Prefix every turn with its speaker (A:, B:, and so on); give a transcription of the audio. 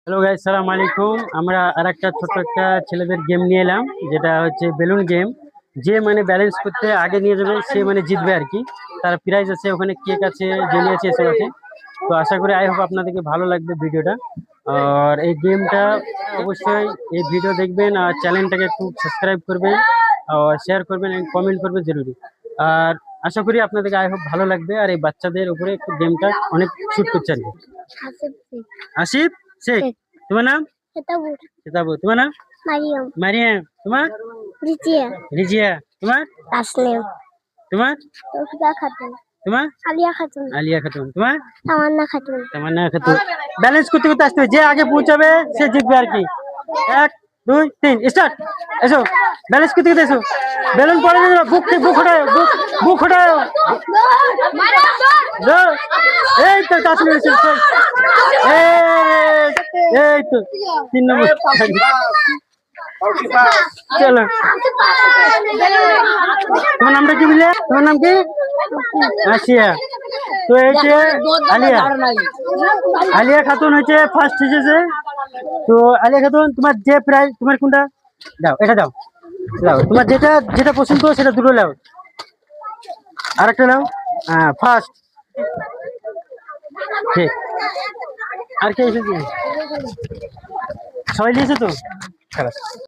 A: Hello guys, সালাম আলাইকুম। আমরা আরেকটা ছোট্ট একটা ছেলেদের গেম নিয়ে এলাম, যেটা হচ্ছে বেলুন গেম। যে মানে ব্যালেন্স করতে আগে নিয়ে যাবে সে মানে জিতবে আর কি। তার প্রাইজ আছে, ওখানে কেক আছে, জেলি আছে, এসব আছে। তো আশা করি আই হোপ আপনাদেরকে ভালো লাগবে ভিডিওটা। আর এই গেমটা অবশ্যই এই ভিডিও দেখবেন আর চ্যানেলটাকে একটু সাবস্ক্রাইব করবেন আর শেয়ার করবেন, কমেন্ট করবেন জরুরি। আর আশা করি আপনাদেরকে আই হোপ ভালো লাগবে। আর এই বাচ্চাদের উপরে একটু গেমটা অনেক শুট করছে আর কি।
B: আসিফ শেখ।
A: আসিফ শেখ,
B: শেখ।
A: তোমার নাম?
B: সেতাবুর।
A: সেতাবু, তোমার নাম?
B: মারিয়াম।
A: মারিয়াম, তোমার?
B: রিজিয়া।
A: রিজিয়া, তোমার?
B: তাসনিম।
A: তোমার?
B: তৌফিকা খাতুন।
A: তোমার?
B: আলিয়া খাতুন।
A: আলিয়া খাতুন, তোমার?
B: তামান্না খাতুন।
A: তামান্না খাতুন। ব্যালেন্স করতে করতে আসতে হবে, যে আগে পৌঁছাবে সে জিতবে আর কি। 1 2 3 স্টার্ট। এসো, ব্যালেন্স করতে করতে এসো। বেলুন পড়ে দিল, বুক হটাও, বুক হটাও। দৌড়। এই তো তাসনিম এসে গেছে। এই তো 3 নম্বর। চলো, তোমার নামটা কি বললে? তোমার নাম কি? আসিয়া। তো এই যে আলিয়া, আলিয়া খাতুন হচ্ছে ফার্স্ট এসেছে। তো আলিয়া খাতুন, তোমার যে প্রাইজ, তোমার কোনটা দাও? এটা দাও, দাও তোমার যেটা যেটা পছন্দ সেটা দুটো নাও, আর একটা নাও। হ্যাঁ, ফার্স্ট। ঠিক। আর কে এসেছে? সবাই নিয়েছে তো? খারাপ।